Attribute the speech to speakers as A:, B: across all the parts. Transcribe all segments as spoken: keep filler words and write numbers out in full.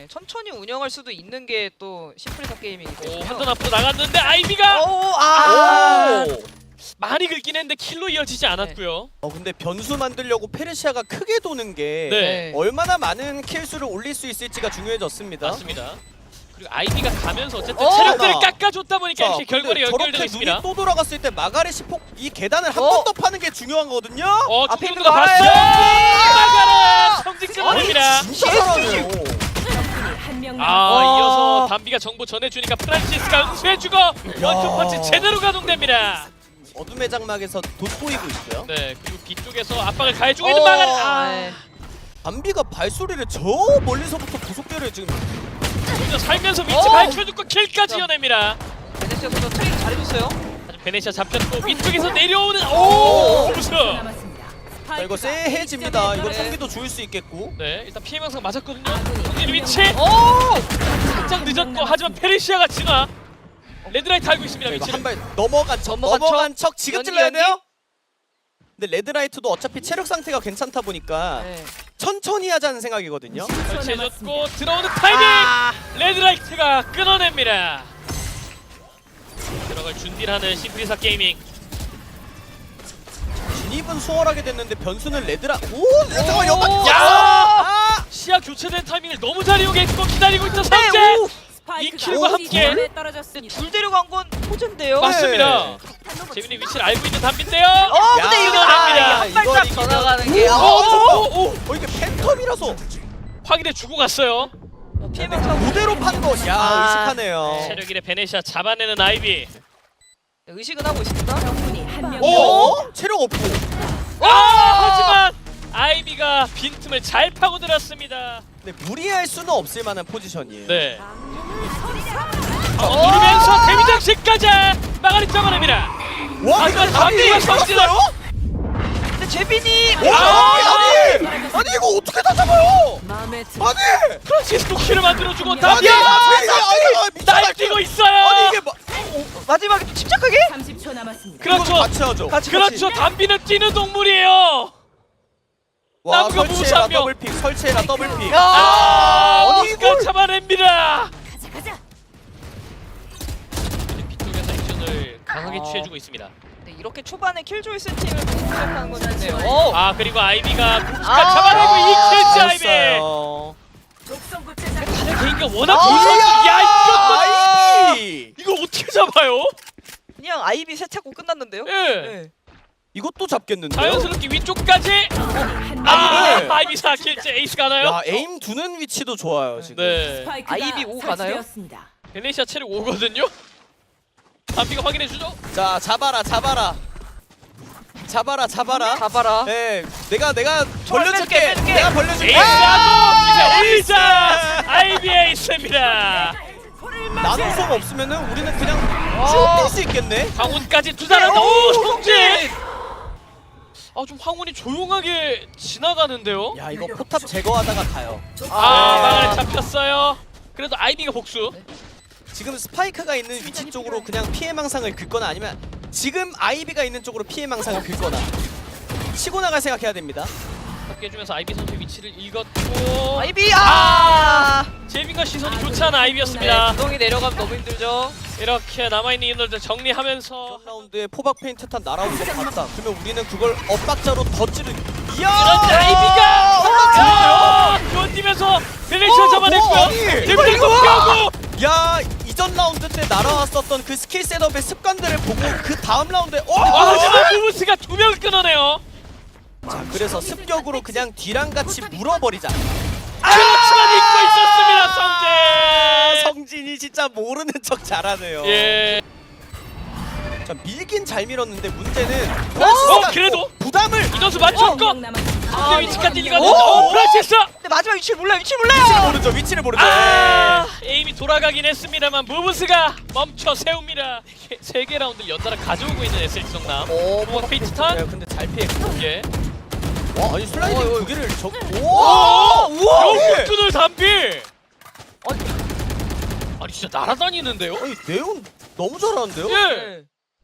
A: 네, 천천히 운영할 수도 있는 게 또 심플리사 게이밍이기
B: 오,
A: 때문에.
B: 한턴 앞으로 나갔는데 아이비가
A: 오, 아.
B: 오! 많이 긁긴 했는데 킬로 이어지지 않았고요.
C: 어 근데 변수 만들려고 페르시아가 크게 도는 게
B: 네.
C: 얼마나 많은 킬수를 올릴 수 있을지가 중요해졌습니다.
B: 맞습니다. 그리고 아이비가 가면서 어쨌든
A: 어!
B: 체력들을
C: 나.
B: 깎아줬다 보니까
C: 자,
B: 이렇게 결과를
C: 근데
B: 연결되고
C: 저렇게
B: 있습니다.
C: 눈이 또 돌아갔을 때 마가렛이 폭 이 계단을 한
A: 어?
C: 번 더 파는 게 중요한 거거든요.
B: 어,
A: 앞에
B: 중중도
A: 있는 거
B: 봤어요.
A: 알아요.
B: 마가라 성직 끊어냅니다.
C: 진짜 잘하네요.
B: 아,
A: 와.
B: 이어서 담비가 정보 전해주니까 프란시스가 응수해주고 원투펀치 제대로 가동됩니다.
C: 어둠의 장막에서 돋보이고 있고요.
B: 네, 그리고 뒤쪽에서 압박을 가해주고 있는 마가라. 아,
A: 네.
C: 담비가 발소리를 저 멀리서부터 구속계를 지금
B: 먼저 살면서 위치
A: 어.
B: 밝혀주고 킬까지 이어냅니다.
A: 베네시아 선수 트레이닝 잘해줬어요.
B: 하지만 베네시아 잡혔고 위쪽에서 내려오는 오! 무슨?
C: 자, 이거 쎄해집니다. 이거 총기도 주울 수 있겠고.
B: 네, 일단 피해 망상 맞았거든요. 성진 위치
A: 오!
B: 살짝 늦었고 하지만 페르시아가 진화. 레드라이트 알고 있습니다.
C: 이거
B: 위치를.
C: 한 발 넘어간 척
A: 넘어간
C: 넘어간 척 지금
A: 연기,
C: 찔러야
A: 연기?
C: 돼요. 근데 레드라이트도 어차피 체력 상태가 괜찮다 보니까
A: 네.
C: 천천히 하자는 생각이거든요.
B: 설치해줬고 들어오는 타이밍!
A: 아.
B: 레드라이트가 끊어냅니다. 들어갈 준비를 하는 심플리사 게이밍.
C: 진입은 수월하게 됐는데 변수는 레드라. 오, 잠깐만 연막.
B: 야!
C: 아!
B: 시야 교체된 타이밍을 너무 잘 이용했고 기다리고 있던
A: 네,
B: 성재!
A: 오!
B: 이 킬과 함께
A: 둘 데려간 건 호재인데요.
B: 맞습니다. 재민이 위치를 알고 있는 담비인데요.
A: 어, 근데
C: 야,
A: 이거
C: 야,
A: 아,
C: 야,
A: 한
C: 이걸
A: 발짝
C: 이기면-
A: 더 나가는 게.
B: 오,
A: 아,
B: 오, 오, 오.
C: 어 이게 팬텀이라서
B: 확인해 주고 갔어요.
A: 피해망 차고
C: 무대로 판 것이야.
A: 아.
C: 의식하네요.
B: 체력 일의 베네시아 잡아내는 아이비.
A: 의식은 하고 있습니다.
C: 어? 체력 없고.
B: 와! 하지만 아이비가 빈틈을 잘 파고들었습니다.
C: 근데 무리할 수는 없을 만한 포지션이에요.
B: 네. 어, 누르면서 데미 장식까지 마가리 잡아냅니다.
C: 와,
B: 하지만
C: 이거
B: 담비가
C: 담비
B: 성질을
C: 이겼어요?
A: 근데 제빈이
C: 와,
B: 아!
C: 아니, 아니 이거 어떻게 다 잡아요? 아니,
B: 프란시스코 키를 만들어주고
C: 아니,
B: 담비
C: 아니, 아니, 아니, 미친
B: 날뛰고
C: 말이야.
B: 있어요.
C: 아니 이게 마,
A: 마지막에 침착하게
D: 삼십 초 남았습니다.
B: 그렇죠.
C: 같이 하죠.
A: 같이
B: 그렇죠. 담비는 뛰는 동물이에요.
C: 와,
B: 남과
C: 설치해라
B: 무사명.
C: 더블픽, 설치해라 더블픽.
A: 야!
B: 아,
C: 아니,
B: 이걸
C: 이걸-
B: 잡아냅니다.
D: 가자 가자.
B: 뒤쪽에서 액션을 강하게
A: 아.
B: 취해주고 있습니다.
A: 네, 이렇게 초반에 킬조이 세팅을 시작하는 건 좋네요. 오!
B: 아 그리고 아이비가 국가
A: 아.
B: 잡아내고 이 킬째 아이비.
C: 잘했어요.
D: 독성 구체자.
B: 개인기가 워낙
A: 아.
B: 좋아서 야 이거
C: 아이비.
B: 이거 어떻게 잡아요?
A: 그냥 아이비 세 찾고 끝났는데요.
B: 예.
A: 네.
C: 이것도 잡겠는데요?
B: 자연스럽게 위쪽까지.
D: 한
B: 아
C: 네.
B: 아이비 사 킬째 에이스 가나요?
C: 야, 에임 두는 위치도 좋아요 지금.
B: 네.
D: 스파이크가
A: 아이비 오 가나요?
D: 설치되었습니다.
B: 베네시아 체력 오거든요. 담비가 확인해 주죠.
C: 자, 잡아라, 잡아라. 잡아라, 잡아라.
A: 잡아라.
C: 네, 내가 내가
A: 저를
C: 벌려줄게.
A: 빼줄게, 빼줄게.
C: 내가 벌려줄게.
B: 에이스하고 기세
C: 아,
B: 올리자. 아이비 에이스입니다.
C: 나노성 없으면은 우리는 그냥
A: 어.
C: 쭉 뛸 수 있겠네.
B: 황혼까지 투자한다.
A: 오,
B: 오 성진. 아좀 황혼이 조용하게 지나가는데요.
C: 야, 이거 포탑 제거하다가 가요.
B: 아
C: 네.
B: 망을 잡혔어요. 그래도 아이비가 복수.
C: 지금 스파이크가 있는 위치 쪽으로 그냥 피해 망상을 긁거나 아니면 지금 아이비가 있는 쪽으로 피해 망상을 긁거나 치고 나갈 생각해야 됩니다.
B: 깨주면서 아이비 선수의 위치를 읽었고
A: 아이비 아!
B: 제빈과 시선이 좋지 않은
A: 네,
B: 아이비였습니다.
A: 구덩이 내려가면 너무 힘들죠.
B: 이렇게 남아있는 인원들 정리하면서
C: 이런 라운드에 포박 페인트 탄 날아오는 거 봤다. 그러면 우리는 그걸 엇박자로 더 찌르. 이야!
B: 그런데 아이비가
C: 어,
B: 야! 견디면서 베네시아
C: 어,
B: 잡아냈고요.
C: 뭐, 아니,
B: 제빈을
C: 이거, 이거.
B: 공개하고
C: 야, 이전 라운드 때 날아왔었던 그 스킬 셋업의 습관들을 보고 그 다음 라운드에 어!
B: 아, 하지만 무브스가 두 명을 끊어내요.
C: 자, 그래서 습격으로 그냥 뒤랑 같이 물어버리자.
B: 그렇지만 잊고 있었습니다 성재.
C: 성진이 진짜 모르는 척 잘하네요.
B: 예.
C: 자, 밀긴 잘 밀었는데 문제는
B: 어 그래도
C: 부담을
B: 이전수 맞췄고
D: 명 남았습니다.
B: 성재 위치까지
C: 어?
B: 읽었는데 어 프란시스.
A: 근데 마지막 위치를 몰라요. 위치를 몰라요.
C: 모르죠. 위치를 모르죠.
B: 아 에임이 돌아가긴 했습니다만 무브스가 멈춰 세웁니다. 세 개 라운드를 연달아 가져오고 있는 에스에스 성남.
A: 오,
B: 포박 페이트
C: 네,
B: 탄.
C: 근데 잘 피했고.
B: 예.
C: 와, 아니 슬라이딩
A: 어, 어,
C: 두 개를 적.
B: 오!
C: 우와! 우와!
B: 영국준을 담비. 아니, 아니 진짜 날아다니는데요?
C: 아니 네온 너무 잘하는데요?
B: 예.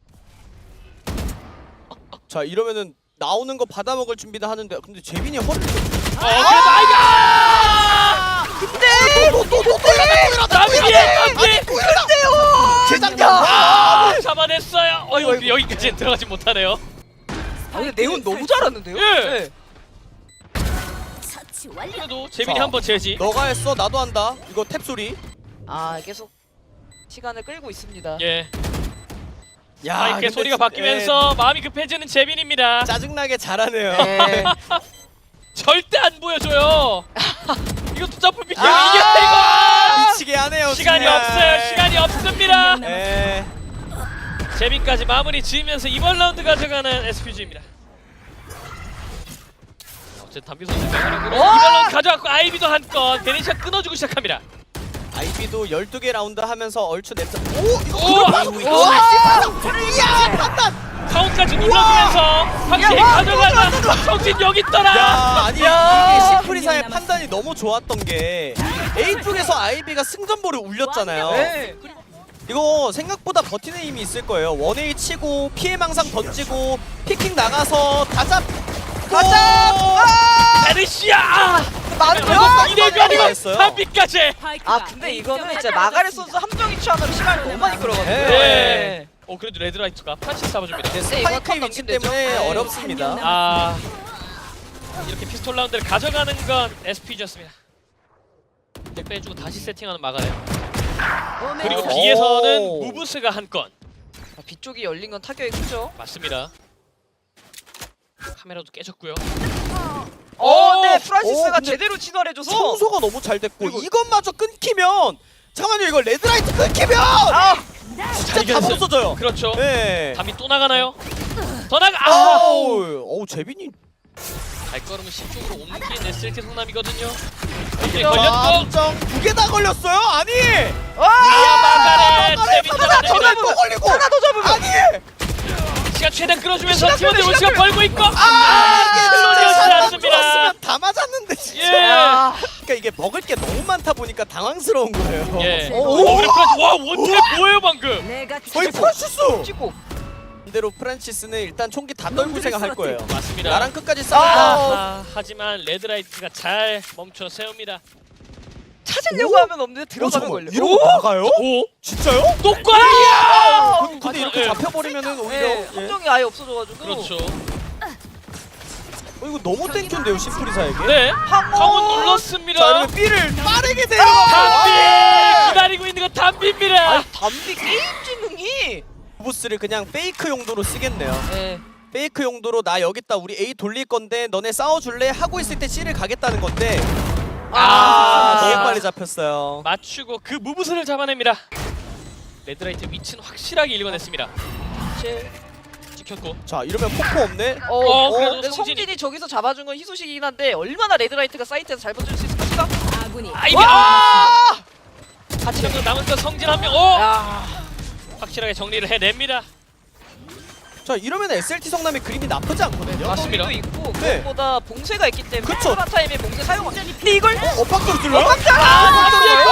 C: 자, 이러면은 나오는 거 받아먹을 준비도 하는데 근데 재빈이 허리.
B: 어, 그래도 아이가!
A: 근데
C: 또또또또
B: 남기에 남기.
C: 재장전.
B: 아, 잡아냈어요. 어,
C: 아이고, 아이고.
B: 여기까지는 들어가지 못하네요.
A: 아 근데 네온 너무 잘하는데요?
B: 예.
A: 네.
D: 처치 완료.
B: 그래도 재민이
C: 자.
B: 한번 제지.
C: 너가 했어 나도 한다. 이거 탭 소리.
A: 아 계속 시간을 끌고 있습니다.
B: 예.
C: 야
B: 마이크의
C: 근데
B: 소리가
C: 지-
B: 바뀌면서 마음이 급해지는 재민입니다.
C: 예, 짜증나게 잘하네요.
A: 네.
B: 절대 안 보여줘요. 이것도 점프 비켜.
C: 아,
B: 이게 이거.
C: 미치게 하네요.
B: 시간이
C: 정말.
B: 없어요. 시간이 없습니다.
C: 에.
B: 재민까지 마무리 지으면서 이번 라운드 가져가는 에스피지입니다. 어쨌든 담비 선수 명으로
A: 와!
B: 이번 라운드 가져갔고 아이비도 한 건 베네시아 끊어주고 시작합니다.
C: 아이비도 열두 개 라운드 하면서 얼추 냅자. 오 이거
B: 오!
C: 그걸
B: 오!
C: 야 판단.
B: 카운트까지 눌러주면서 확실히 가져가자. 성진 여기 있더라.
C: 야 아니
A: 야.
C: 이게 시프리사의 판단이 너무 좋았던 게 A 쪽에서 아이비가 승전보를 울렸잖아요.
A: 네.
C: 이거 생각보다 버티는 힘이 있을 거예요. 원웨이 치고 피해 망상 던지고 피킹 나가서 다 잡.
A: 가자!
B: 베네시아.
A: 맞아요?
B: 이대변이고
C: 했어요.
B: 담비까지.
A: 아 근데 이거는 진짜 마가렛 선수 함정이 취하느라 시간을 너무 많이 끌어가지고.
B: 네. 어 그래도 레드라이트가 프란시스 잡아줍니다.
C: 네,
A: 네, 이거
C: 스파이크의
A: 턴
C: 위치
A: 넘기면
C: 때문에
A: 되죠. 네.
C: 어렵습니다.
B: 아 이렇게 피스톨 라운드를 가져가는 건 에스피지였습니다. 백 빼주고 다시 세팅하는 마가렛. 그리고
C: 오.
B: B에서는 무브스가 한 건.
A: 아, B 쪽이 열린 건 타격이 크죠.
B: 맞습니다. 카메라도 깨졌고요.
A: 어, 네
C: 오,
A: 프란시스가
C: 근데
A: 제대로 진화해줘서.
C: 청소가 너무 잘 됐고
A: 그리고-
C: 이것마저 끊기면 잠깐만요 이거 레드라이트 끊기면
A: 아,
C: 진짜
B: 이겼어요.
C: 다 없어져요.
B: 그렇죠.
C: 네.
B: 담이 또 나가나요? 더 나가. 아!
C: 아우, 어우 재빈이
B: 발걸음을 신쪽으로 옮긴 에스엘티 성남이거든요. 이게 걸렸고.
C: 감정 두 개 다 걸렸어요. 아니.
A: 와!
B: 아 마가렛 재민
C: 하나 더
B: 잡아냅니다.
C: 또 걸리고
A: 하나 더 잡으면.
C: 아니.
B: 시간 최대한 끌어주면서
A: 시간
B: 팀원들
A: 끌어,
B: 우시가
A: 시간
B: 벌고 있고.
C: 아, 이게
B: 클로지였지
C: 진짜
B: 않습니다.
C: 좋았으면 다 맞았는데 진짜.
B: 예.
A: 아,
C: 그러니까 이게 먹을 게 너무 많다 보니까 당황스러운 거예요.
B: 예.
C: 오,
B: 어, 그래 프란시. 와 원탭 뭐예요 방금?
D: 내가
C: 거의 프란시스.
A: 찍고.
C: 반대로 프란시스는 일단 총기 다 떨고 생각할 거예요.
B: 맞습니다.
C: 나랑 끝까지 싸운다.
A: 아.
B: 아, 하지만 레드라이트가 잘 멈춰 세웁니다.
A: 찾으려고
C: 오?
A: 하면 없는데 들어가면 걸려.
C: 이러고 나가요?
B: 오,
C: 진짜요?
B: 똑과이야.
C: 근데
B: 맞아,
C: 이렇게
B: 예.
C: 잡혀버리면은 오히려
A: 네,
C: 예.
A: 함정이 아예 없어져가지고.
B: 그렇죠.
C: 어, 이거 너무 땡큐인데요 심프리사에게.
B: 네,
A: 황혼.
B: 황혼 눌렀습니다.
C: 자 이러면 B를 빠르게
B: 담비
C: 내려가요.
B: 기다리고 있는 건 담비입니다.
A: 아, 담비 게임 지능이.
C: 부스를 그냥 페이크 용도로 쓰겠네요.
A: 네.
C: 페이크 용도로 나 여기 있다 우리 A 돌릴 건데 너네 싸워줄래? 하고 있을 때 C를 가겠다는 건데 아,
B: 아.
C: 너무 빨리 잡혔어요.
B: 맞추고 그 무브스를 잡아냅니다. 레드라이트 위치는 확실하게 읽어냈습니다.
A: 제.
B: 찍혔고.
C: 자 이러면 폭포 없네.
A: 어,
B: 어,
A: 어,
B: 그래도
A: 근데
B: 성진이-
A: 성진이 저기서 잡아준 건 희소식이긴 한데 얼마나 레드라이트가 사이트에서 잘 버틸 수 있을까?
D: 아군이
B: 아이비.
A: 와!
B: 아! 같이 잡는 남은 건 성진 한 명. 오!
A: 야.
B: 확실하게 정리를 해냅니다.
C: 자 이러면 에스엘티 성남의 그림이 나쁘지 않거든요.
B: 맞습니다.
A: 도 있고
C: 네.
A: 그것보다 봉쇄가 있기 때문에
C: 그쵸.
A: 코로나 타임에 봉쇄 사용. 근데 이걸
C: 어? 엇박자로 찔러요?
B: 아,
C: 엇박자로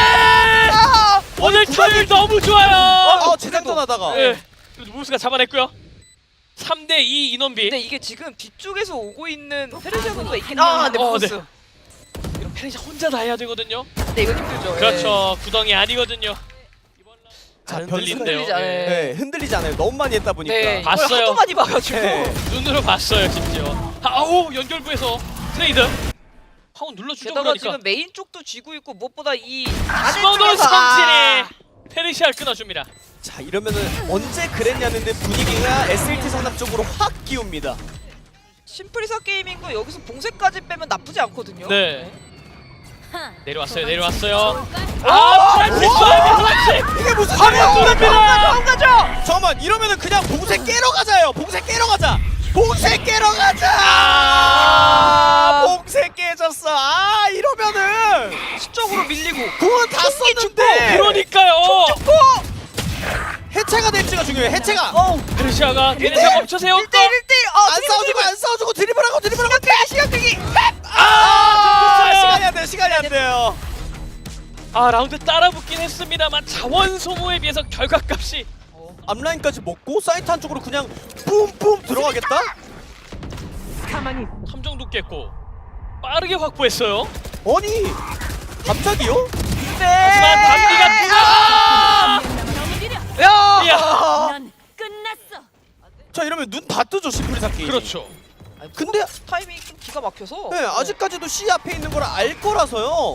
B: 아, 오늘 타율 너무 좋아요.
C: 어, 재장전하다가
B: 네. 그래도 무브스가 잡아냈고요. 삼 대 이 인원비.
A: 근데 이게 지금 뒤쪽에서 오고 있는 페르시아 선수가 있긴
D: 한
A: 아, 네,
B: 어,
A: 보스.
B: 네. 이런 페레시 혼자 다 해야 되거든요.
A: 근데 이건 힘들죠.
B: 그렇죠. 구덩이 아니거든요.
C: 자,
B: 안
C: 변수가
B: 흔들린대요.
A: 흔들리지 않아요.
B: 예.
C: 네, 흔들리지 않아요. 너무 많이 했다 보니까.
A: 네, 이걸
B: 봤어요.
A: 하도 많이 봐가지고.
C: 네.
B: 눈으로 봤어요, 심지어. 아우 연결부에서 트레이드. 하운 눌러주죠
A: 게다가
B: 그러니까.
A: 지금 메인 쪽도 쥐고 있고 무엇보다 이
B: 스머너
A: 안쪽에서-
B: 성진이 페르시아를 끊어줍니다.
C: 자 이러면은 언제 그랬냐는데 분위기가 에스엘티 성남 쪽으로 확 기웁니다.
A: 심플리사 게이밍도 여기서 봉쇄까지 빼면 나쁘지 않거든요.
B: 네. 내려왔어요, 내려왔어요.
D: 쏠까?
B: 아, 프란시스 프란시스.
C: 이게 무슨
B: 화면
C: 소리야?
B: 뚫립니다.
A: 안 가죠.
C: 잠깐만 이러면은 그냥 봉쇄 깨러 가자요. 봉쇄 깨러 가자. 봉쇄 깨러 가자.
B: 아.
C: 봉쇄 깨졌어. 아 이러면은
A: 수적으로 밀리고.
C: 그건 다 썼는데.
B: 그러니까요.
C: 해체가 될지가 중요해. 해체가.
A: 어우.
B: 페르시아가 베네시아 멈춰 세웠고.
A: 일 대 일, 일 대 일. 어,
C: 안 싸워주고 안 싸워주고 드리블하고 드리블하고.
A: 시간 끌기.
B: 아,
C: 아 시간이 안 돼요. 시간이 안 돼요.
B: 아, 라운드 따라붙긴 했습니다만 자원 소모에 비해서 결과값이
C: 앞라인까지 먹고 사이트 한쪽으로 그냥 뿜뿜 들어가겠다?
D: 가만히
B: 함정도 깼고 빠르게 확보했어요.
C: 아니 갑자기요?
B: 하지만 담비가 뜨거.
A: 야!
B: 이야.
D: 넌 끝났어.
C: 자 이러면 눈 다 뜨죠 시프리사 게임.
B: 그렇죠.
C: 근데
A: 타이밍이 좀 기가 막혀서.
C: 네, 아직까지도 C 앞에 있는 걸 알 거라서요.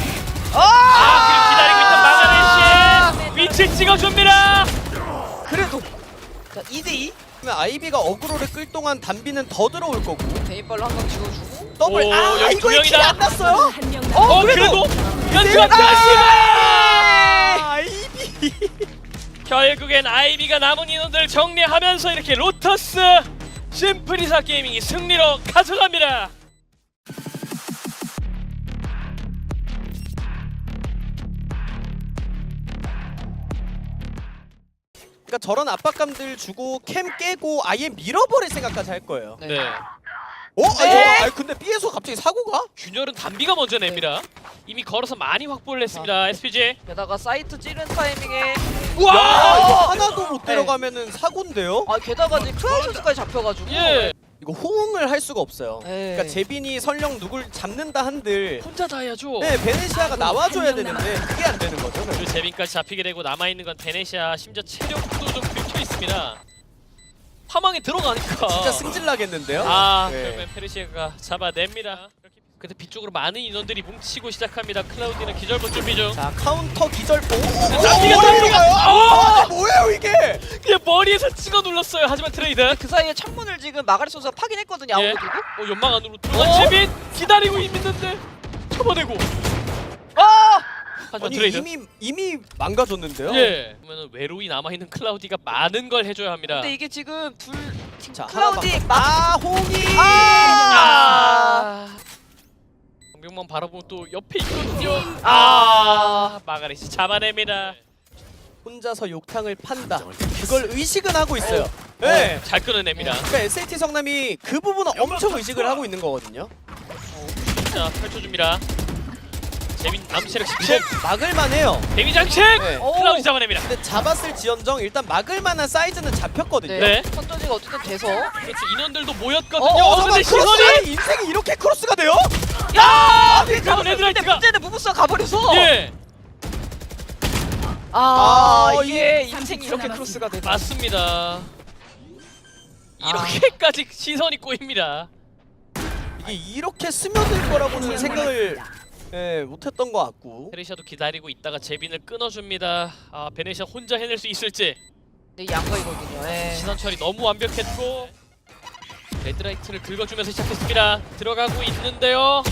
B: 아, 그리고 기다리고 있던 마가렛 씨 위치 찍어줍니다.
A: 그래도 자 이 대 이
C: 그러면 아이비가 어그로를 끌 동안 담비는 더 들어올 거고.
A: 베인발로 한 방 찍어주고.
C: 더블.
B: 오,
C: 아
B: 여기
C: 이거
B: 두
C: 킬이
B: 명이다.
C: 안 났어요?
D: 한명
B: 어,
D: 남았.
B: 그래도
C: 네,
B: 연주한
C: 아,
B: 자식.
C: 아이비.
B: 결국엔 아이비가 남은 인원들 정리하면서 이렇게 로터스 심프리사 게이밍이 승리로 가져갑니다.
C: 그러니까 저런 압박감들 주고 캠 깨고 아예 밀어버릴 생각까지 할 거예요.
B: 네.
C: 어?
A: 네.
C: 아, 근데 B에서 갑자기 사고가?
B: 균열은 담비가 먼저 냅니다. 이미 걸어서 많이 확보를 했습니다. 에스피지.
A: 게다가 사이트 찌른 타이밍에
B: 우와!
C: 야, 이거 하나도
A: 네.
C: 못 데려가면은 사고인데요?
A: 아 게다가 지금 크라우셔츠까지 잡혀가지고.
B: 예.
C: 이거 호응을 할 수가 없어요.
A: 네.
C: 그러니까 제빈이 설령 누굴 잡는다 한들
B: 혼자 다 해야죠.
C: 네, 베네시아가
D: 아,
C: 나와줘야
D: 한 명
C: 되는데 그게 안 되는 거죠.
B: 그리고 제빈까지 잡히게 되고 남아있는 건 베네시아, 심지어 체력도 좀 긁혀 있습니다. 파망에 들어가니까
C: 진짜 승질나겠는데요?
B: 아,
C: 네.
B: 결국엔 페르시아가 잡아냅니다. 근데 뒤쪽으로 많은 인원들이 뭉치고 시작합니다. 클라우디는 기절복 준비 중.
C: 자, 카운터 기절보.
B: 담비가
C: 오,
B: 담비가
C: 아, 뭐예요 이게?
B: 그냥 머리에서 찍어 눌렀어요. 하지만 트레이드.
A: 그 사이에 창문을 지금 마가렛 선수가 파긴 했거든요.
B: 예.
A: 아무래도.
B: 어, 연막 안으로 들어간
A: 어?
B: 제빈 기다리고 있는데 쳐버리고.
A: 아!
B: 하지만
C: 아니
B: 트레이드.
C: 이미 이미 망가졌는데요?
B: 예. 그러면 외로이 남아 있는 클라우디가 많은 걸 해줘야 합니다.
A: 근데 이게 지금 둘 지금
C: 자,
A: 클라우디
C: 하나
A: 막
C: 아, 홍이.
A: 아!
B: 정병만 바라보면 또 옆에 있거든요.
A: 아!
B: 아, 마가렛이 잡아냅니다.
C: 혼자서 욕탕을 판다. 그걸 의식은 하고 있어요. 네.
B: 잘 끊어냅니다.
C: 그러니까 에스에이티 성남이 그 부분은 엄청 의식을 하고 있는 거거든요.
B: 자, 펼쳐줍니다. 재민 남체력
C: 이거
B: 십칠.
C: 막을만해요.
B: 데미 장식.
C: 네.
B: 클라우디 잡아냅니다.
C: 근데 잡았을 지연정 일단 막을만한 사이즈는 잡혔거든요.
B: 네.
A: 선전지가 어쨌든 돼서
B: 그렇지, 인원들도 모였거든요.
C: 어,
B: 어,
C: 잠깐만,
B: 근데 시선이.
C: 크로스! 인생이 이렇게 크로스가 돼요?
B: 야!
A: 근데
B: 그러면 헤드라이트가.
A: 문제는 무브스가 가버려서
B: 예,
A: 아,
C: 아,
A: 이게
D: 이게
A: 인생이 이렇게 크로스가 되다.
B: 맞습니다. 이렇게까지 시선이 꼬입니다.
C: 이게 이렇게 스며들 거라고는 생각을 예, 못했던 것 같고.
B: 페르시아도 기다리고 있다가 제빈을 끊어줍니다. 아, 베네시아 혼자 해낼 수 있을지.
A: 네, 양거이거든요. 예.
B: 시선 처리 너무 완벽했고 레드라이트를 긁어주면서 시작했습니다. 들어가고 있는데요.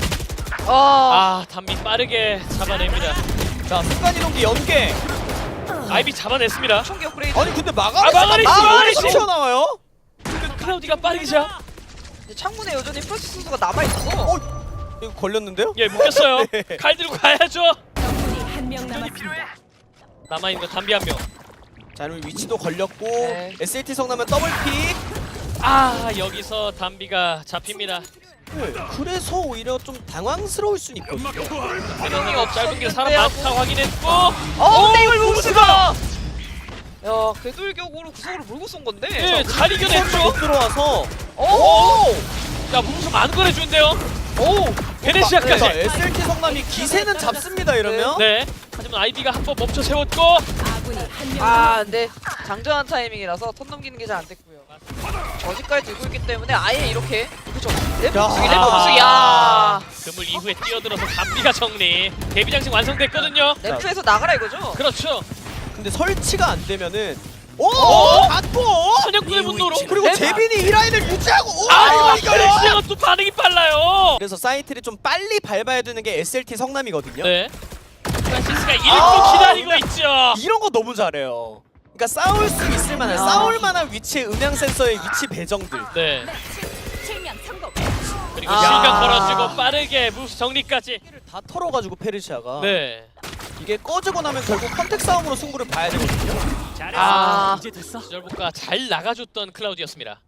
A: 아,
B: 아, 담비 빠르게 잡아냅니다.
C: 자, 순간이동기 연계.
B: 아이비 잡아냈습니다.
A: 총기 업그레이드.
C: 아니 근데
B: 아,
C: 마가렛
B: 마가렛이, 마가렛이!
C: 튀어나와요?
B: 그 클라우디가 빠르게 잡.
A: 근데 창문에 여전히 프레스 선수가 남아 있어서.
C: 어, 이거 걸렸는데요?
B: 예, 묶였어요.
C: 네.
B: 칼 들고 가야죠.
D: 적군이 한명 남았습니다.
B: 남아있는 거 담비 한 명.
C: 자, 그럼 위치도 걸렸고
A: 네.
C: 에스에이티 성남은 더블픽.
B: 아, 여기서 담비가 잡힙니다.
C: 네, 그래서 오히려 좀 당황스러울 순 있거든요.
B: 페널이 없 짧은 길 사람
A: 네,
B: 많다 확인했고.
A: 어, 근데 이걸 무브스가. 야, 궤돌격으로 구석으로 물고 쏜 건데.
B: 예, 잘
C: 못
B: 이겨냈죠.
C: 들어와서
A: 오!
B: 야, 무슨 많은 걸 해주는데요.
A: 오!
B: 베네시아까지.
C: 자, 에스엘티 성남이 기세는 잡습니다 이러면.
B: 네. 하지만 아이비가 한 번 멈춰 세웠고.
D: 아군이 한명
A: 아,
D: 남았습니다.
A: 근데 장전한 타이밍이라서 턴 넘기는 게 잘 안 됐고요. 저지까지 들고 있기 때문에 아예 이렇게 그쵸? 랩버스기, 랩버스기, 야!
B: 그물 이후에 뛰어들어서 담비가 정리. 데뷔 장식 완성됐거든요.
A: 램프에서 나가라 이거죠?
B: 그렇죠.
C: 근데 설치가 안 되면은 오!
B: 어?
C: 받고!
B: 선역군의 분노로.
C: 그리고
A: 네.
C: 제빈이 이 라인을 유지하고 오!
B: 아,
C: 이거
B: 이거
C: 이거요!
B: 베네시아가 또 반응이 빨라요.
C: 그래서 사이트를 좀 빨리 밟아야 되는 게 에스엘티 성남이거든요.
B: 네. 프란시스가 읽고
C: 아,
B: 기다리고 있죠.
C: 이런 거 너무 잘해요. 그러니까 싸울 수 있을 만한,
A: 야.
C: 싸울 만한 위치의 음향 센서의 위치 배정들.
B: 네.
D: 실명 성공.
B: 그리고
A: 아.
B: 실각 걸어주고 빠르게 무브 정리까지.
C: 다 털어가지고 페르시아가
B: 네.
C: 이게 꺼지고 나면 결국 컨택 싸움으로 승부를 봐야 되거든요.
A: 아,
B: 이제 됐어. 기절복과 잘 나가줬던 클라우디였습니다.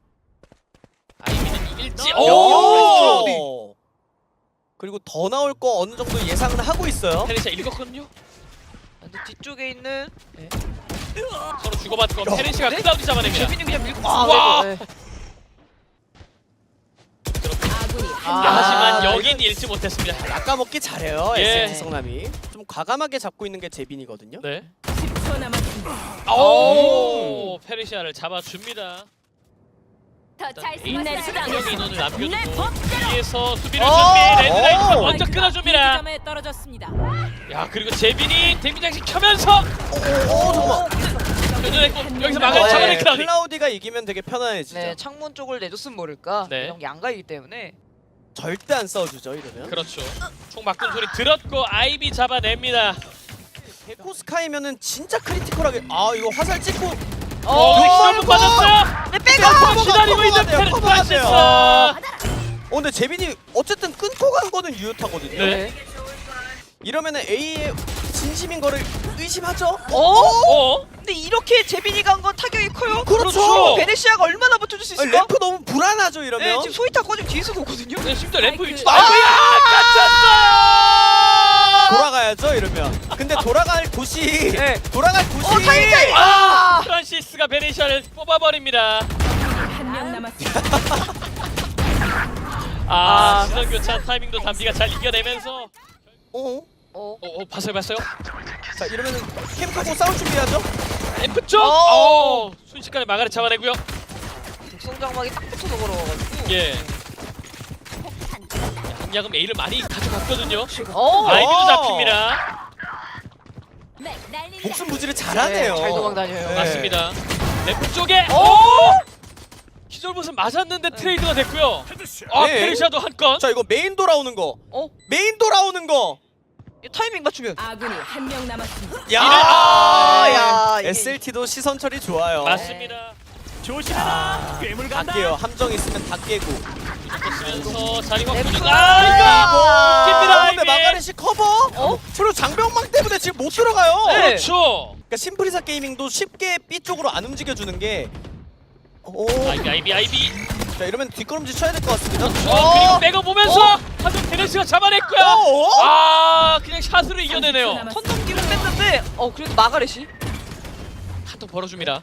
B: 아이비는 이길지.
C: 오!
B: 오!
C: 그리고 더 나올 거 어느 정도 예상은 하고 있어요.
B: 페르시아 읽었거든요.
A: 근데 뒤쪽에 있는
B: 서로 주고받고
C: 야.
B: 페르시아가
A: 네?
B: 클라우디 잡아냅니다.
A: 재빈이 그냥 밀고
B: 와.
A: 네.
D: 아군이
A: 아,
B: 아, 하지만
C: 아,
B: 여기 제빈 잃지 못했습니다.
C: 낚아먹기 잘해요.
B: 예.
C: 에스엔티 성남이 좀 과감하게 잡고 있는 게 제빈이거든요.
B: 네.
D: 십 초 남았습니다.
B: 오, 페르시아를 잡아줍니다.
D: 더잘
B: 에이트 수명 인원을 남겨두고
D: 내 법대로.
B: 뒤에서 수비를
A: 어!
B: 준비. 레드라이트가
C: 어!
B: 먼저 끊어줍니다.
D: 점에 떨어졌습니다.
B: 야, 그리고 제빈이 데미장식 켜면서
C: 오 잠깐만.
B: 교전했고 여기서 막을
C: 네,
B: 잡아낸 클라우디.
C: 클라우디가 이기면 되게 편안해지죠.
A: 네, 창문 쪽을 내줬으면 모를까.
B: 네.
A: 이런 양가이기 때문에.
C: 절대 안 싸워주죠 이러면.
B: 그렇죠. 총 바꾼 소리 들었고 아이비 잡아냅니다.
C: 에코 스카이면은 진짜 크리티컬하게. 아 이거 화살 찍고.
B: 어, 엑스트라 받았어요.
A: 네, 빼가!
C: 커버가,
B: 기다리고 있는
C: 커버가 돼요,
B: 페르
C: 커버가
B: 프란시스.
C: 돼요. 어 근데 제빈이 어쨌든 끊고 간 거는 유효타거든요.
B: 네.
C: 이러면은 A의 진심인 거를 의심하죠.
A: 어?
B: 어?
A: 근데 이렇게 제빈이 간 건 타격이 커요.
C: 그렇죠.
A: 베네시아가 얼마나 버텨줄 수
C: 아니,
A: 있을까?
C: 램프 너무 불안하죠 이러면.
A: 네, 지금 소이타 꺼지면 뒤에서 오거든요.
B: 네, 심지어 램프
D: 아이고.
B: 위치도
C: 아!
B: 아이고야! 갇혔어!
C: 돌아가야죠 이러면. 근데 돌아갈 곳이
A: 네.
C: 돌아갈 곳이.
A: 어, 타임 타임!
B: 아!
A: 아!
B: 프란시스가 베네시아를 뽑아버립니다.
D: 한 명 남았습니다.
B: 아, 시선 교차 타이밍도 담비가 잘 이겨내면서.
C: 어?
A: 어.
B: 어, 어 봤어요, 봤어요.
C: 자 이러면은 캠 끄고 싸울 준비하죠.
B: 램프 쪽.
A: 어.
B: 어, 순식간에 마가를 잡아내고요.
A: 독성장막이 딱 붙어서 걸어가가지고.
B: 예. 한약은 A를 많이 가져갔거든요.
A: 어.
B: 아이비도 잡힙니다.
D: 네, 날린다.
C: 목숨 부지를 잘하네요.
A: 네, 잘 도망다녀요.
C: 네.
B: 맞습니다. 램프 쪽에.
A: 어?
B: 오! 기절봇은 맞았는데 트레이드가 됐고요. 아,
C: 네.
B: 페르시아도 한 건.
C: 자 이거 메인 돌아오는 거.
A: 어?
C: 메인 돌아오는 거.
A: 이 타이밍 맞추면.
D: 아군이 한 명 남았습니다.
C: 야,
A: 아, 야, 이게-
C: 에스엘티도 시선 처리 좋아요.
B: 맞습니다.
E: 조심해라. 괴물
C: 다
E: 간다.
C: 깨요. 함정 있으면 다 깨고.
B: 쓰면서 자리
A: 램프.
B: 바꾸는.
A: 아,
B: 아, 이거! 웃깁니다,
C: 아, 근데
B: 아이비.
C: 마가렛이 커버?
A: 어?
C: 그리고 장병망 때문에 지금 못 들어가요.
A: 네.
B: 그렇죠.
C: 그러니까 심프리사 게이밍도 쉽게 B 쪽으로 안 움직여주는 게. 오.
B: 아이비, 아이비, 아이비.
C: 자 이러면 뒷걸음질 쳐야 될 것 같습니다.
B: 어, 그리고 백업 보면서 하지만 베네시아가 잡아냈고요.
C: 어?
B: 아, 그냥 샷으로 이겨내네요.
A: 턴 넘기고 뺐는데 어 그래도 마가렛이
B: 한통 벌어줍니다.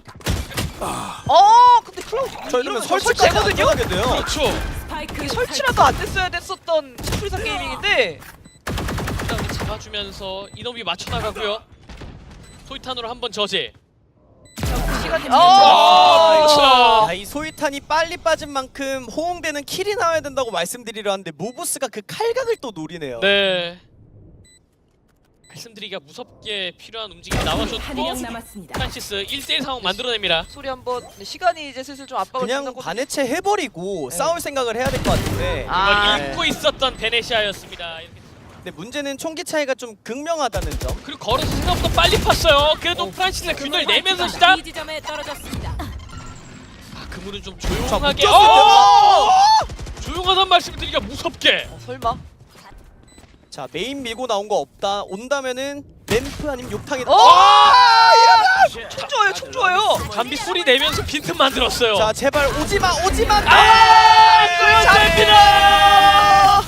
A: 어 근데 클라우드
C: 자 이러면 설치까지 안
A: 설치되거든요?
C: 들어가게 돼요.
B: 그렇죠.
D: 스파이크
A: 이게 설치라도 안 됐어야 됐었던 스프리사 게이밍인데
B: 일단 잡아주면서 이놈이 맞춰나가고요. 토이탄으로 한번 저지.
A: 시간이
B: 아,
A: 어
B: 그렇죠.
C: 야, 이 소이탄이 빨리 빠진 만큼 호응되는 킬이 나와야 된다고 말씀드리려 하는데 모브스가 그 칼각을 또 노리네요.
B: 네. 말씀드리기가 무섭게 필요한 움직임이
D: 한
B: 나와줬고
D: 명 남았습니다.
B: 프란시스 일 대 일 상황 만들어냅니다.
A: 소리 한번 근데 시간이 이제 슬슬 좀 압박을
C: 그냥
A: 준다고
C: 반해체 해버리고
A: 네.
C: 싸울 생각을 해야 될 것 같은데.
A: 아.
B: 이걸 읽고 있었던 베네시아였습니다. 이렇게.
C: 근데 문제는 총기 차이가 좀 극명하다는 점.
B: 그리고 걸어서 생각보다 빨리 팠어요. 그래도 프란시스가 균열 내면서 시작.
D: 이 지점에 떨어졌습니다.
B: 아, 그물은 좀
C: 자,
B: 조용하게.
C: 묶였을
B: 어!
C: 때.
B: 조용하단 말씀을 드리기가 무섭게.
A: 어, 설마
C: 자 메인 밀고 나온 거 없다. 온다면은 램프 아니면 욕탕이.
A: 어 총 좋아요 총 좋아요
B: 담비 소리 내면서 빈틈 만들었어요.
C: 자 제발 오지마 오지마.
B: 아,
C: 네.
B: 끌어냅니다.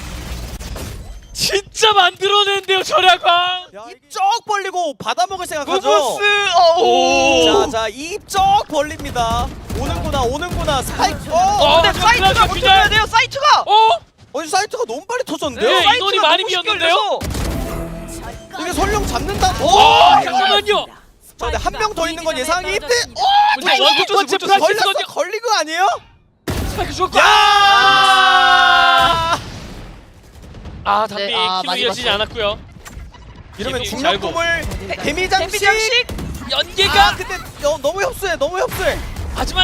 B: 진짜 만들어낸대요 절약왕.
C: 입쩍 벌리고 받아먹을 생각하죠.
A: 무브스 어오
C: 자자 입쩍 벌립니다. 오는구나 오는구나 스파이크. 어.
B: 어,
A: 근데 사이트가
B: 그냥
A: 버텨야 돼요 사이트가
B: 어?
C: 어이 사이트가 너무 빨리 터졌는데요.
B: 네.
A: 사이트가
B: 인원이 많이
A: 너무 쉽게
B: 비었는데요?
A: 열려서.
C: 이게 설령 잡는다. 오.
B: 어, 잠깐만요.
C: 자 근데 한 명 더 있는 건 예상이 힘들.
B: 문제
C: 어,
B: 원투 번째
C: 걸렸어
B: 프란시스거든요.
C: 걸린 거 아니에요?
B: 스파이크 죽었고.
C: 야!
B: 아, 담비
A: 네, 아,
B: 킬로
A: 많이
B: 이어지지
A: 봤어요.
B: 않았고요.
C: 이러면
B: 재미
C: 중력공을 데미장식.
A: 데미장식
B: 연계가
C: 아 근데 어, 너무 협소해 너무 협소해.
B: 하지만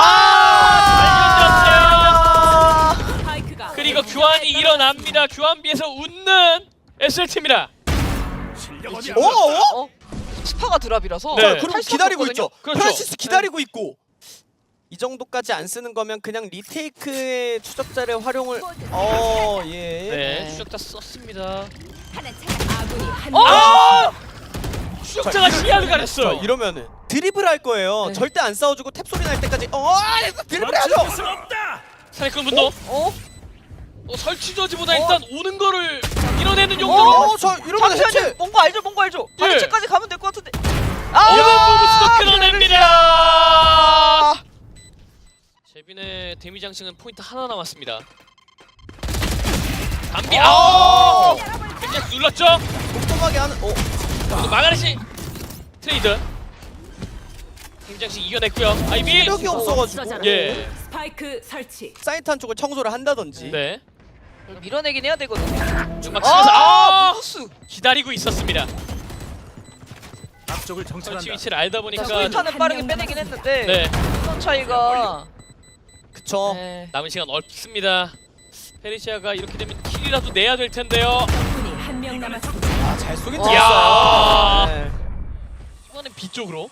C: 아!
B: 잘
D: 스파이크가
B: 그리고 교환이 일어납니다. 교환비에서 웃는 에스엘티입니다.
E: 실력 어디
C: 오, 오?
A: 어 스파가 드랍이라서
B: 네.
C: 자, 그럼
A: 탈 수가
C: 기다리고
A: 없거든요?
C: 있죠.
B: 그렇죠.
C: 프란시스 기다리고 있고. 이 정도까지 안 쓰는 거면 그냥 리테이크의 추적자를 활용을. 어, 예.
B: 네, 추적자 썼습니다.
D: 하나 찾아. 아군이 한
A: 어!
D: 명.
B: 아! 추적자가
C: 자,
B: 시야를
C: 자,
B: 가렸어요.
C: 이러면은 드리블 할 거예요.
A: 네.
C: 절대 안 싸워주고 탭 소리 날 때까지. 어, 드리블 해야죠.
E: 멈출 수 없다.
B: 사이클 분도
A: 어?
B: 어, 설치 저지보다
A: 어?
B: 일단 오는 거를 밀어내는 용도로
C: 어, 저 이러면 해체.
A: 잠시만요 뭔거 알죠 뭔거 알죠
B: 예.
A: 반대체까지 가면 될 것 같은데
B: 오는
A: 아
B: 부부스도 끊어냅니다. 제빈의 데미 장식은 포인트 하나 남았습니다. 담비 아오 그냥 눌렀죠.
C: 꼼꼼하게 하는. 어.
B: 그리고 마가렛이 트레이드 굉장히 이겨냈고요. 아이비
C: 체력이 없어가지고.
B: 예.
D: 스파이크 설치.
C: 사이트 한쪽을 청소를 한다든지.
B: 네.
A: 밀어내긴 해야 되거든요.
B: 연막 치면서 아
A: 무스.
B: 기다리고 있었습니다.
E: 앞쪽을
B: 설치
E: 정찰한다.
B: 위치를 알다 보니까
A: 소리타는 빠르게 빼내긴 했는데
B: 네
A: 선 차이가
C: 그쵸.
A: 네.
B: 남은 시간 없습니다. 페리시아가 이렇게 되면 킬이라도 내야 될 텐데요.
D: 적군이 한 명 남았습니다.
C: 아, 잘 쏘긴
A: 와.
C: 잘했어요. 네.
B: 이번엔 B 쪽으로.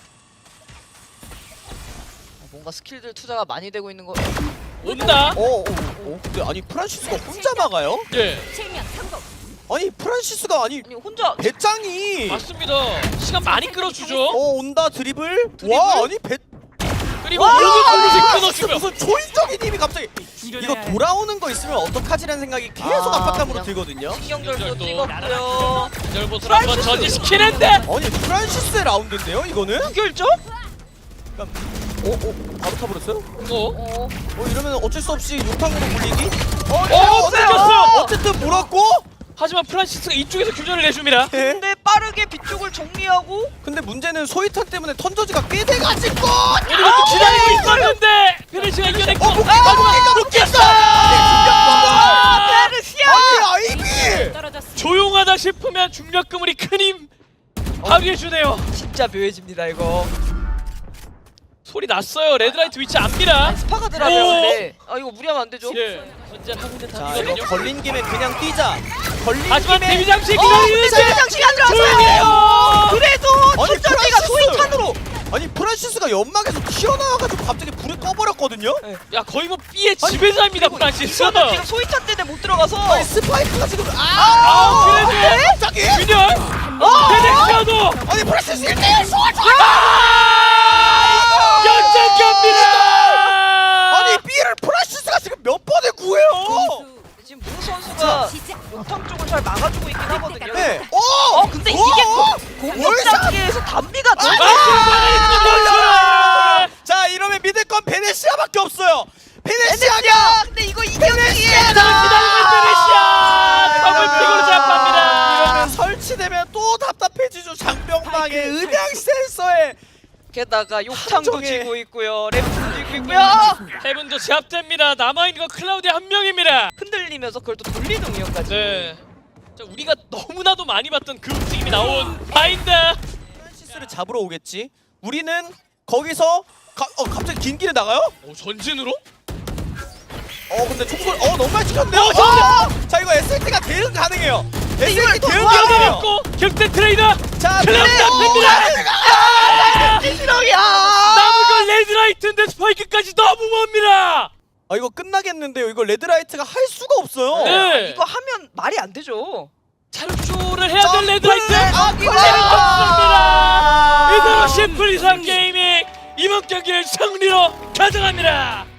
A: 뭔가 스킬들 투자가 많이 되고 있는 거.
B: 온다.
C: 어, 어, 어, 근데 아니 프란시스가 혼자 막아요?
B: 예.
D: 실명 성공.
C: 아니 프란시스가 아니
A: 아니 혼자
C: 배짱이
B: 맞습니다. 시간 많이 끌어주죠.
C: 어 온다 드리블? 와 아니 배
B: 그리고
C: 와,
B: 오른쪽
C: 진짜
B: 끊어주면
C: 무슨 초인적인 힘이 갑자기 이거 돌아오는 거 있으면 어떡하지라는 생각이 계속
A: 아,
C: 압박감으로
A: 그냥
C: 들거든요.
A: 신경절도
B: 신경절도
A: 찍었고요.
B: 절보수를 한번 저지시키는데.
C: 아니 프란시스의 라운드인데요 이거는?
A: 무결점?
C: 어? 어? 바로 타버렸어요?
B: 어?
A: 어.
C: 어 이러면 어쩔 수 없이 육탕으로 물리기?
A: 어,
B: 어, 끊겼어요.
C: 어쨌든 몰았고
B: 하지만 프란시스가 이쪽에서 교전을 내줍니다.
C: 네.
A: 근데 빠르게 뒤쪽을 정리하고
C: 근데 문제는 소이탄 때문에 턴저지가 꽤 돼가지고
B: 우리가 또 기다리고 있었는데 페리시아가 이겨냈고.
C: 어 묶였어! 묶였어!
A: 아, 페르시아!
C: 아니 아이비!
D: 떨어졌습니다.
B: 조용하다 싶으면 중력 그물이 큰 힘 발휘해주네요.
A: 진짜 묘해집니다 이거.
B: 소리 났어요. 레드라이트 위치 압니다.
A: 스파가 들어가요
B: 오!
A: 근데. 아 이거 무리하면 안 되죠?
B: 예. 전제를 하고 있는
C: 자 이거
B: 단이거든요.
C: 걸린 김에 그냥 뛰자. 걸린
B: 하지만
C: 김에
B: 데뷔 장치
A: 어 근데
B: 기다리는데
A: 세대장식이 안
B: 조용히
A: 들어왔어요!
B: 해요.
A: 그래도
C: 아니,
A: 첫전지가
C: 프란시스!
A: 소이탄으로!
C: 아니 프란시스가 연막에서 튀어나와가지고 갑자기 불을 꺼버렸거든요?
B: 야 거의 뭐 B의 지배자입니다 프란시스.
A: 이거는 지금 소이탄 때문에 못 들어가서
C: 아니 스파이크가 지금 아!
B: 아 그래도
C: 갑자기?
B: 균열
A: 어!
B: 페네시아도
C: 아니 프란시스 일 대 일 소환!
B: 연장 갑니다.
C: 아니 B를 프란시스가 지금 몇 번을 구해요?
A: 지금 무 선수가
D: 시작.
A: 욕탕 쪽을 잘 막아주고 있긴 하거든요.
C: 네. 어!
A: 어 근데 이게
C: 어!
A: 공격
C: 월샷!
A: 단계에서 단비가 너무
B: 아,
C: 자 이러면 믿을 건 베네시아밖에 없어요. 베네시아가
A: 베네시아! 근데 이거 이경기에
B: 기다리고 있는 페네시아 더블 픽으로 잡힙니다.
C: 이러면 설치되면 또 답답해지죠. 장병망에 음향 센서에
A: 게다가 욕탕도
C: 함정에.
A: 지고 있고요. 랩도 지고 있고요.
B: 헤븐도 제압됩니다. 남아있는 건 클라우드 한 명입니다.
A: 흔들리면서 그걸 또 돌리는 운영까지.
B: 네. 자, 우리가 너무나도 많이 봤던 그 움직임이 나온 바인드.
C: 프란시스를 잡으러 오겠지. 우리는 거기서 가, 어 갑자기 긴 길에 나가요?
B: 오, 전진으로?
C: 어 근데 총소리 어 너무 많이 찍혔네요.
B: 어,
C: 어! 자 이거 에스엘티가 대응 가능해요. 에스엘티
A: 또
C: 대응
A: 뭐야,
C: 가능해요.
B: 뛰어내렸고 격대 트레이더.
C: 자
B: 클럽
C: 근데
B: 잡힙니다.
A: 찌시렁이야.
B: 남은 건 레드라이트인데 스파이크까지 너무 멉니다.
C: 아 이거 끝나겠는데요. 이거 레드라이트가 할 수가 없어요.
B: 네.
A: 이거 하면 말이 안 되죠.
B: 자루쇼를 해야 될
C: 점프를
B: 레드라이트.
C: 하기로
B: 없습니다. 이대로 심플 이상 게이밍 이번 경기를 승리로 가져갑니다.